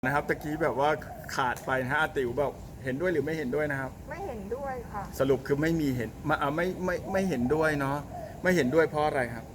นะครับตะกี้แบบว่าขาดไปนะฮะอาติ๋วแบบเห็นด้วยหรือไม่เห็นด้วยนะครับไม่เห็นด้วยค่ะสรุปคือไม่มีเห็นมาไม่เห็นด้วยเนาะไม่เห็นด้วยเพราะอะไรครับ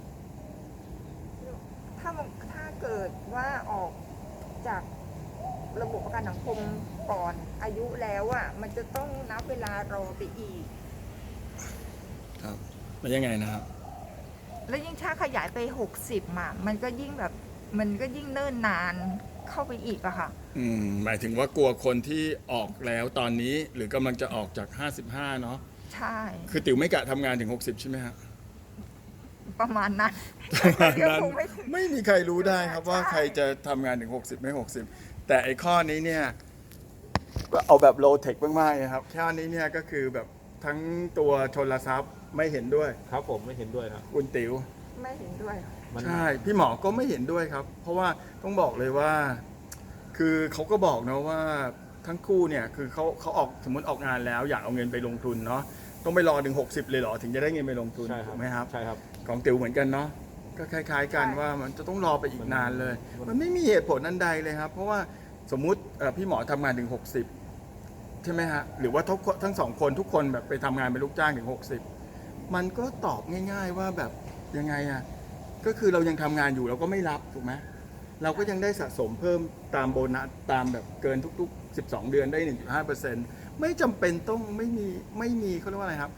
ถ้าเกิดว่าออกจากระบบประกันสังคมก่อนอายุแล้วอ่ะมันจะต้องนับเวลารอไปอีกครับมันยังไงนะครับแล้วยิ่งถ้าขยายไป60อ่ะมันก็ยิ่งแบบมันก็ยิ่งเนิ่นนานเข้าไปอีกอะค่ะหมายถึงว่ากลัวคนที่ออกแล้วตอนนี้หรือกำลังจะออกจาก55เนาะใช่คือติ๋วไม่กะทำงานถึง60ใช่ไหมฮะประมาณนั้นประมาณนั้นคงไม่ถึงไม่มีใครรู้ได้ครับว่าใช่ใครจะทำงานถึง60ไม่60แต่ไอ้ข้อนี้เนี่ยก็เอาแบบโลเทคมากๆนะครับแค่นี้เนี่ยก็คือแบบทั้งตัวชนทรัพย์ไม่เห็นด้วยครับผมไม่เห็นด้วยครับคุณติ๋วไม่เห็นด้วยใช่พี่หมอก็ไม่เห็นด้วยครับเพราะว่าต้องบอกเลยว่าคือเขาก็บอกนะว่าทั้งคู่เนี่ยคือเขาออกสมมติออกงานแล้วอยากเอาเงินไปลงทุนเนาะต้องไปรอถึง60เลยเหรอถึงจะได้เงินไปลงทุนใช่ครัถูบกไหมครับใช่ครับของติ๋วเหมือนกันเนาะก็คล้ายๆกันว่ามันจะต้องรอไปอีกนานเลย มันไม่มีเหตุผลอันใดเลยครับเพราะว่าสมมุติพี่หมอทำงานถึง60ใช่ไหมฮะหรือว่าทั้งสองคนทุกคนแบบไปทำงานเป็นลูกจ้างถึง60มันก็ตอบง่ายๆว่าแบบยังไงอะก็คือเรายังทำงานอยู่เราก็ไม่รับถูกไหมเราก็ยังได้สะสมเพิ่มตามโบนัสตามแบบเกินทุกๆ12 เดือนได้ 1.5%ไม่จำเป็นต้องไม่มีเขาเรียกว่าอะไรครับ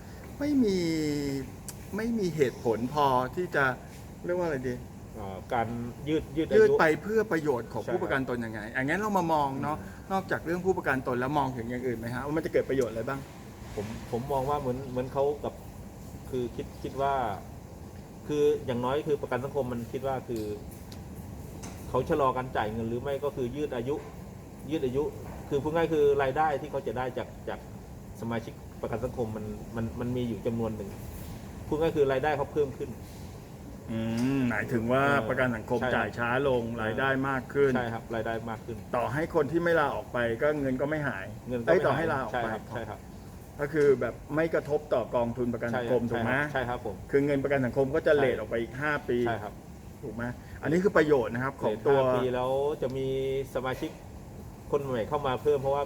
ไม่มีเหตุผลพอที่จะเรียกว่าอะไรดีการยืดอายืดยุไปเพื่อประโยชน์ของใช่ผู้ประกันตนยังไงอย่างนั้นเรามามองเนาะนอกจากเรื่องผู้ประกันตนแล้วมองถึงอย่างอื่นไหมฮะว่ามันจะเกิดประโยชน์อะไรบ้างผมมองว่าเหมือนเขากับคือคิดว่า คืออย่างน้อยคือประกันสังคมมันคิดว่าคือเขาชะลอการจ่ายเงินหรือไม่ก็คือยืดอายุ คือพูดง่ายคือรายได้ที่เขาจะได้จากสมาชิกประกันสังคมมันมีอยู่จำนวนหนึ่งพูดง่ายคือรายได้เขาเพิ่มขึ้นหมายถึงว่าประกันสังคมใช่จ่ายช้าลงรายได้มากขึ้นใช่ครับรายได้มากขึ้นต่อให้คนที่ไม่ลาออกไปก็เงินก็ไม่หายเงินก็ได้ไม่ต่อหายให้ลาออกไปใช่ครับก็คือแบบไม่กระทบต่อกองทุนประกันสังคมถูกไหมใช่ครับผมคือเงินประกันสังคมก็จะใช่เลทออกไปอีก5 ปีใช่ครับถูกไหมอันนี้คือประโยชน์นะครับของตัว 5 ปีแล้วจะมีสมาชิกคนใหม่เข้ามาเพิ่มเพราะว่า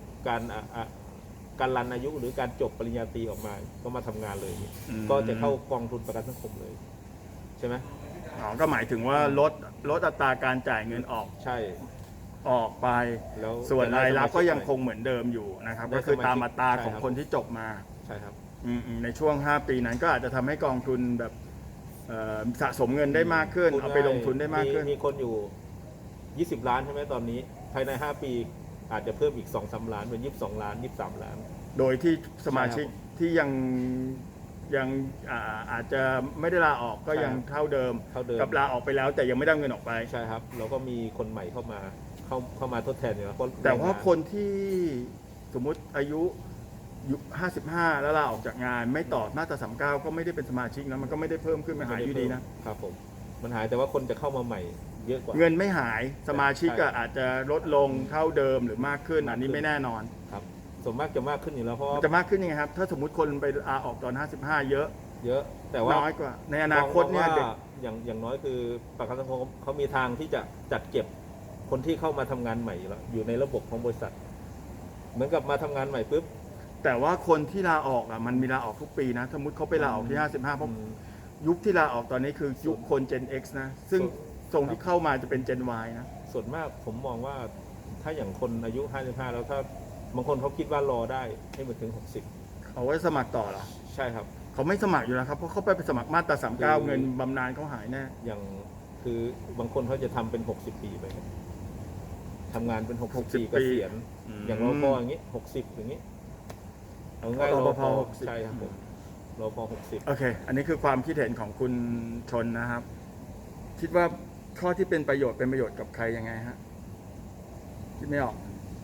การรันอายุหรือการจบปริญญาตรีออกมาก็มาทำงานเลย ก็จะเข้ากองทุนประกันสังคมเลยใช่ไหมก็หมายถึงว่าลดอัตราการจ่ายเงินออกใช่ออกไปแล้วส่วนรายรับก็ยังได้คงเหมือนเดิมอยู่นะครับได้ก็คือตามอัตราใช่ของครับคนที่จบมาใช่ครับในช่วง5 ปีนั้นก็อาจจะทำให้กองทุนแบบสะสมเงินได้มากขึ้น เอาไปลงทุนได้มากขึ้นมีคนอยู่ 20 ล้านใช่ไหมตอนนี้ภายใน 5 ปีอาจจะเพิ่มอีก 2-3 ล้านเป็น22 ล้าน 23 ล้านโดยที่สมาชิกใช่ครับที่ยังอาจจะไม่ได้ลาออกก็ใช่ยังเท่าเดิมเท่าเดิมกับลาออกไปแล้วแต่ยังไม่ได้เงินออกไปใช่ครับแล้วก็มีคนใหม่เข้ามาทดแทนอยู่แล้วแต่ว่าคนที่สมมุติอายุ55แล้วลาออกจากงานไม่ต่อมาตรา39ก็ไม่ได้เป็นสมาชิกนะมันก็ไม่ได้เพิ่มขึ้นมันหายอยู่ดีนะครับผมมันหายแต่ว่าคนจะเข้ามาใหม่เยอะกว่าเงินไม่หายสมาชิกใช่อาจจะลดลงเท่าเดิมหรือมากขึ้น อันนี้ไม่แน่นอนครับส่วนมากจะมากขึ้นอยู่แล้วเพราะมันจะมากขึ้นยังไงครับถ้าสมมติคนไปลาออกตอน55เยอะเยอะแต่ว่าน้อยกว่าในอนาคตเนี่ยมองเด็กว่าอย่างน้อยคือประกันสังคมเขามีทางที่จะจัดเก็บคนที่เข้ามาทำงานใหม่อยู่แล้วอยู่ในระบบของบริษัท เหมือนกับมาทำงานใหม่ปุ๊บแต่ว่าคนที่ลาออกมันมีลาออกทุกปีนะ สมมติเขาไปลาออกที่55เพราะยุคที่ลาออกตอนนี้คือยุคคน Gen X นะ ซึ่งทรงที่เข้ามาจะเป็น Gen Y นะส่วนมากผมมองว่าถ้าอย่างคนอายุ 55 แล้วถ้าบางคนเขาคิดว่ารอได้ให้มันถึง 60 เขาไว้สมัครต่อเหรอใช่ครับเขาไม่สมัครอยู่แล้วครับ เพราะเขาไปสมัครมาตรา39เงินบำนาญเขาหายแน่อย่างคือบางคนเขาจะทำเป็น60 ปีไปครับทำงานเป็น60 ปีเกษียณอย่างรปภอย่างนี้60อย่างนี้เอาง่ายรปภใช่ครับผมรปภ60 โอเค อันนี้คือความคิดเห็นของคุณชนนะครับ คิดว่าข้อที่เป็นประโยชน์กับใครยังไงฮะ คิดไม่ออก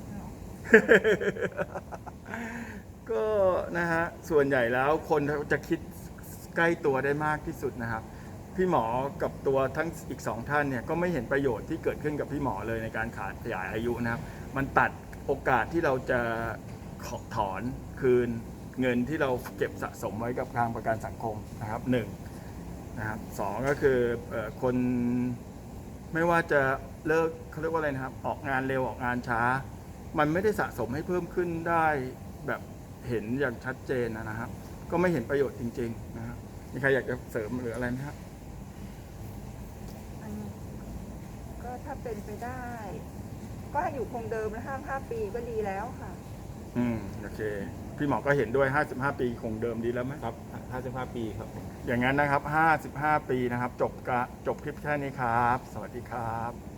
ก็นะฮะส่วนใหญ่แล้วคนจะคิดใกล้ตัวได้มากที่สุดนะครับ พี่หมอกับตัวทั้งอีก2ท่านเนี่ยก็ไม่เห็นประโยชน์ที่เกิดขึ้นกับพี่หมอเลยในการขยายอายุนะครับ มันตัดโอกาสที่เราจะถอนคืนเงินที่เราเก็บสะสมไว้กับทางประกันสังคมนะครับ1นะครับ2ก็คือคนไม่ว่าจะเลิกเขาเรียกว่าอะไรนะครับ ออกงานเร็วออกงานช้า มันไม่ได้สะสมให้เพิ่มขึ้นได้แบบเห็นอย่างชัดเจนนะครับ ก็ไม่เห็นประโยชน์จริงๆนะครับมีใครอยากจะเสริมหรืออะไรไหมครับอันนี้ก็ถ้าเป็นไปได้ ก็ให้อยู่คงเดิมนะ5 ปีก็ดีแล้วค่ะโอเค พี่หมอก็เห็นด้วย 55 ปีคงเดิมดีแล้วไหมครับ55 ปีครับอย่างนั้นนะครับ 55 ปีนะครับ จบคลิปแค่นี้ครับ สวัสดีครับ